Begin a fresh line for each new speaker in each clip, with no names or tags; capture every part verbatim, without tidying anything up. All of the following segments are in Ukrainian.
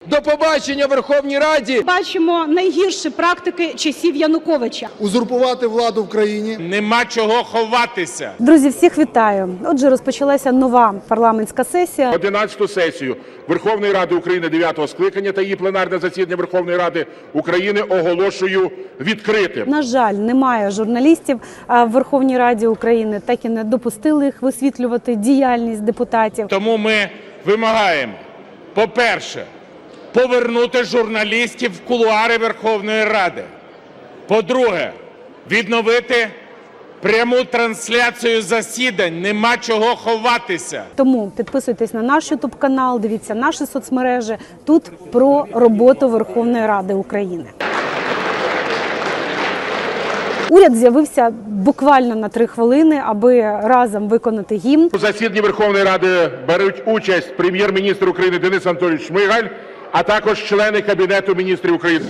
До побачення в Верховній Раді.
Бачимо найгірші практики часів Януковича.
Узурпувати владу в країні.
Нема чого ховатися.
Друзі, всіх вітаю. Отже, розпочалася нова парламентська сесія.
одинадцяту сесію Верховної Ради України дев'ятого скликання та її пленарне засідання Верховної Ради України оголошую відкритим.
На жаль, немає журналістів в Верховній Раді України, так і не допустили їх висвітлювати діяльність депутатів.
Тому ми вимагаємо, по-перше, повернути журналістів в кулуари Верховної Ради. По-друге, відновити пряму трансляцію засідань. Нема чого ховатися.
Тому підписуйтесь на наш ютуб канал, дивіться наші соцмережі. Тут про роботу Верховної Ради України. Уряд з'явився буквально на три хвилини, аби разом виконати гімн.
У засіданні Верховної Ради беруть участь прем'єр-міністр України Денис Анатолійович Шмигаль, а також члени Кабінету міністрів України.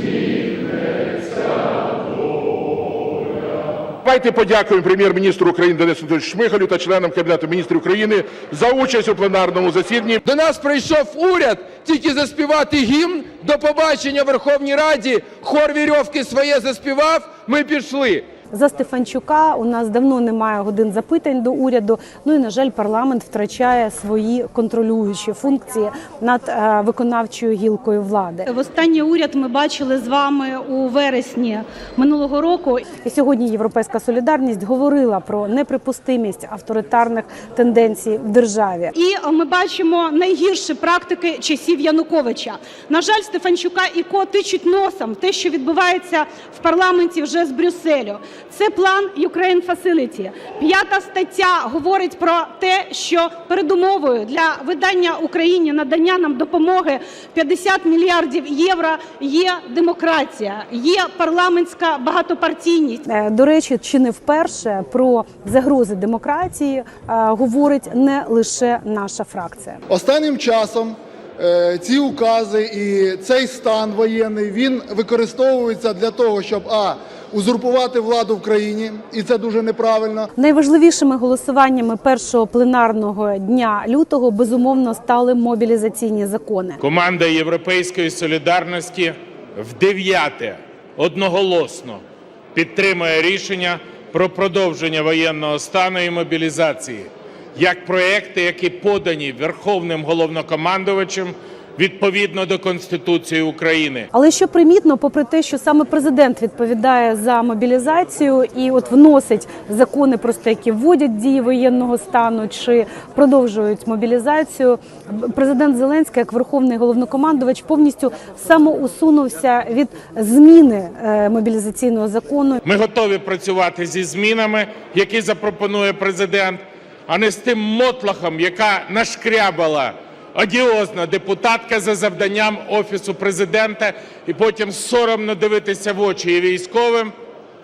Давайте подякуємо прем'єр-міністру України Денису Анатолійовичу Шмигалю та членам Кабінету міністрів України за участь у пленарному засіданні.
До нас прийшов уряд тільки заспівати гімн. До побачення в Верховній Раді. Хор вірьовки своє заспівав, ми пішли.
За Стефанчука у нас давно немає годин запитань до уряду. Ну і, на жаль, парламент втрачає свої контролюючі функції над е, виконавчою гілкою влади.
Востаннє уряд ми бачили з вами у вересні минулого року.
І сьогодні Європейська солідарність говорила про неприпустимість авторитарних тенденцій в державі.
І ми бачимо найгірші практики часів Януковича. На жаль, Стефанчука і Ко тичуть носом в те, що відбувається в парламенті вже з Брюсселю. Це план Ukraine Facility. П'ята стаття говорить про те, що передумовою для видання Україні, надання нам допомоги п'ятдесят мільярдів євро є демократія, є парламентська багатопартійність.
До речі, чи не вперше про загрози демократії е, говорить не лише наша фракція.
Останнім часом е, ці укази і цей стан воєнний, він використовується для того, щоб а. узурпувати владу в країні, і це дуже неправильно.
Найважливішими голосуваннями першого пленарного дня лютого, безумовно, стали мобілізаційні закони.
Команда Європейської солідарності в дев'яте одноголосно підтримує рішення про продовження воєнного стану і мобілізації як проекти, які подані Верховним головнокомандувачем відповідно до Конституції України.
Але що примітно, попри те, що саме президент відповідає за мобілізацію і от вносить закони, просто які вводять дії воєнного стану чи продовжують мобілізацію, президент Зеленський, як верховний головнокомандувач, повністю самоусунувся від зміни мобілізаційного закону.
Ми готові працювати зі змінами, які запропонує президент, а не з тим мотлохом, яка нашкрябала одіозна депутатка за завданням Офісу Президента, і потім соромно дивитися в очі і військовим,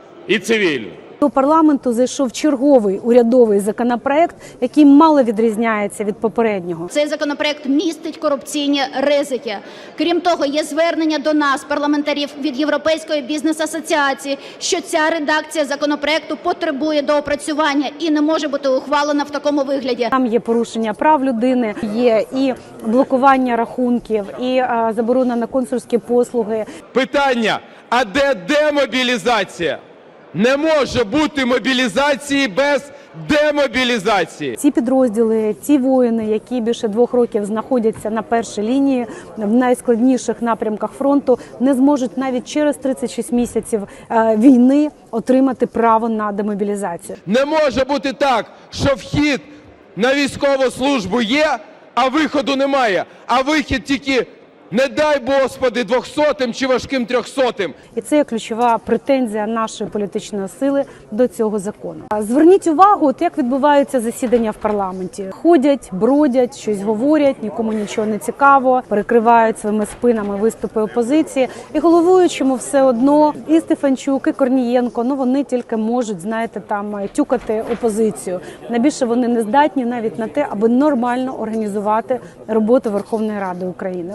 і цивільним.
До парламенту зайшов черговий урядовий законопроект, який мало відрізняється від попереднього.
Цей законопроект містить корупційні ризики. Крім того, є звернення до нас, парламентарів, від Європейської бізнес-асоціації, що ця редакція законопроекту потребує доопрацювання і не може бути ухвалена в такому вигляді.
Там є порушення прав людини, є і блокування рахунків, і а, заборона на консульські послуги.
Питання, а де демобілізація? Не може бути мобілізації без демобілізації.
Ці підрозділи, ці воїни, які більше двох років знаходяться на першій лінії в найскладніших напрямках фронту, не зможуть навіть через тридцять шість місяців війни отримати право на демобілізацію.
Не може бути так, що вхід на військову службу є, а виходу немає. А вихід тільки, не дай Господи, двохсотим чи важким трьохсотим.
І це є ключова претензія нашої політичної сили до цього закону. Зверніть увагу, от як відбуваються засідання в парламенті. Ходять, бродять, щось говорять, нікому нічого не цікаво, перекривають своїми спинами виступи опозиції. І головуючому все одно і Стефанчук, і Корнієнко, ну вони тільки можуть, знаєте, там тюкати опозицію. Найбільше вони не здатні навіть на те, аби нормально організувати роботу Верховної Ради України.
Такого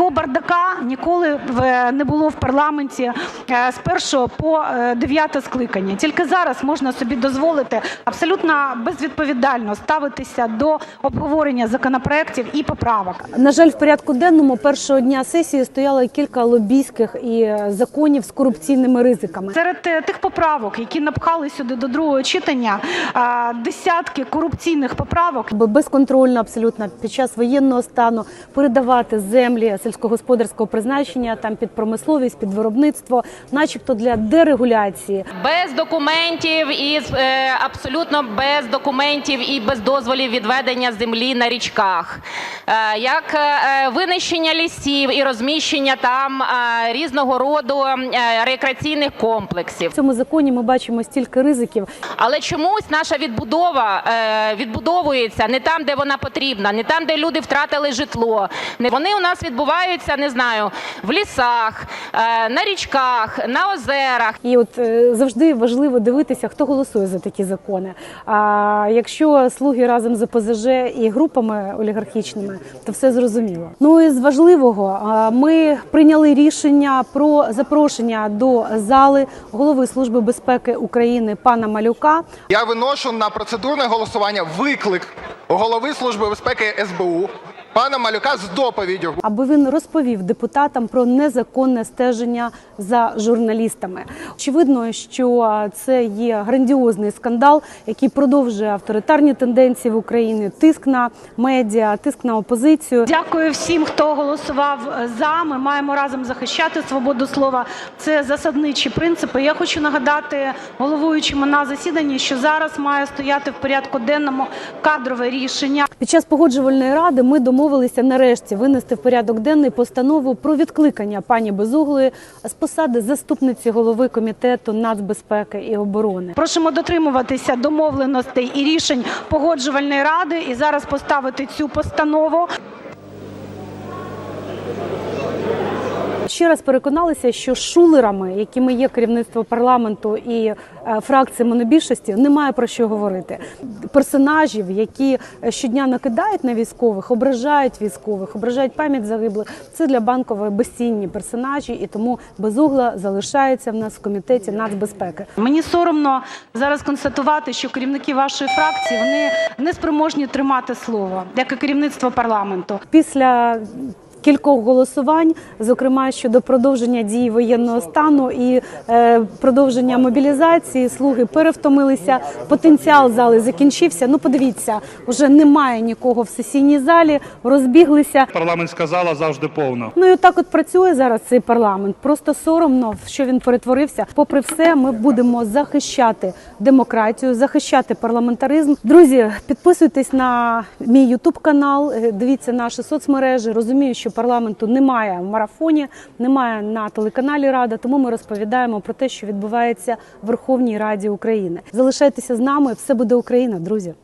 Такого бардака ніколи в- не було в парламенті е, з першого по е, дев'яте скликання. Тільки зараз можна собі дозволити абсолютно безвідповідально ставитися до обговорення законопроєктів і поправок.
На жаль, в порядку денному першого дня сесії стояло кілька лобійських і законів з корупційними ризиками.
Серед е, тих поправок, які напхали сюди до другого читання, е, десятки корупційних поправок.
Бо безконтрольно абсолютно під час воєнного стану передавати землі сільськогосподарського призначення там під промисловість, під виробництво, начебто для дерегуляції.
Без документів і е, абсолютно без документів і без дозволів відведення землі на річках, е, як е, винищення лісів і розміщення там е, різного роду е, рекреаційних комплексів.
В цьому законі ми бачимо стільки ризиків.
Але чомусь наша відбудова е, відбудовується не там, де вона потрібна, не там, де люди втратили житло. Не вони у нас відбуваються, не знаю, в лісах, е, на річках, на озерах.
І от е, завжди важливо дивитися, хто голосує за такі закони. А якщо слуги разом з ОПЗЖ і групами олігархічними, то все зрозуміло. Ну і з важливого, а, ми прийняли рішення про запрошення до зали голови Служби безпеки України пана Малюка.
Я виношу на процедурне голосування виклик голови Служби безпеки ес бе у пана Малюка з доповіддю.
Аби він розповів депутатам про незаконне стеження за журналістами. Очевидно, що це є грандіозний скандал, який продовжує авторитарні тенденції в Україні, тиск на медіа, тиск на опозицію.
Дякую всім, хто голосував за. Ми маємо разом захищати свободу слова. Це засадничі принципи. Я хочу нагадати головуючому на засіданні, що зараз має стояти в порядку денному кадрове рішення.
Під час погоджувальної ради ми домовилися нарешті винести в порядок денний постанову про відкликання пані Безуглої з посади заступниці голови комітету нацбезпеки і оборони.
Просимо дотримуватися домовленостей і рішень погоджувальної ради і зараз поставити цю постанову.
Ще раз переконалися, що шулерами, якими є керівництво парламенту і е, фракції монобільшості, немає про що говорити. Персонажів, які щодня накидають на військових, ображають військових, ображають пам'ять загиблих, це для Банкової безцінні персонажі, і тому Безугла залишається в нас в комітеті нацбезпеки.
Мені соромно зараз констатувати, що керівники вашої фракції, вони не спроможні тримати слово, як і керівництво парламенту.
Після кількох голосувань, зокрема щодо продовження дії воєнного стану і е, продовження мобілізації, слуги перевтомилися, потенціал зали закінчився. Ну подивіться, вже немає нікого в сесійній залі, розбіглися.
Парламентська зала завжди повна.
Ну і отак от працює зараз цей парламент. Просто соромно, в що він перетворився. Попри все, ми будемо захищати демократію, захищати парламентаризм. Друзі, підписуйтесь на мій ютуб-канал, дивіться наші соцмережі. Розумію, що парламенту немає в марафоні, немає на телеканалі Рада, тому ми розповідаємо про те, що відбувається в Верховній Раді України. Залишайтеся з нами, все буде Україна, друзі.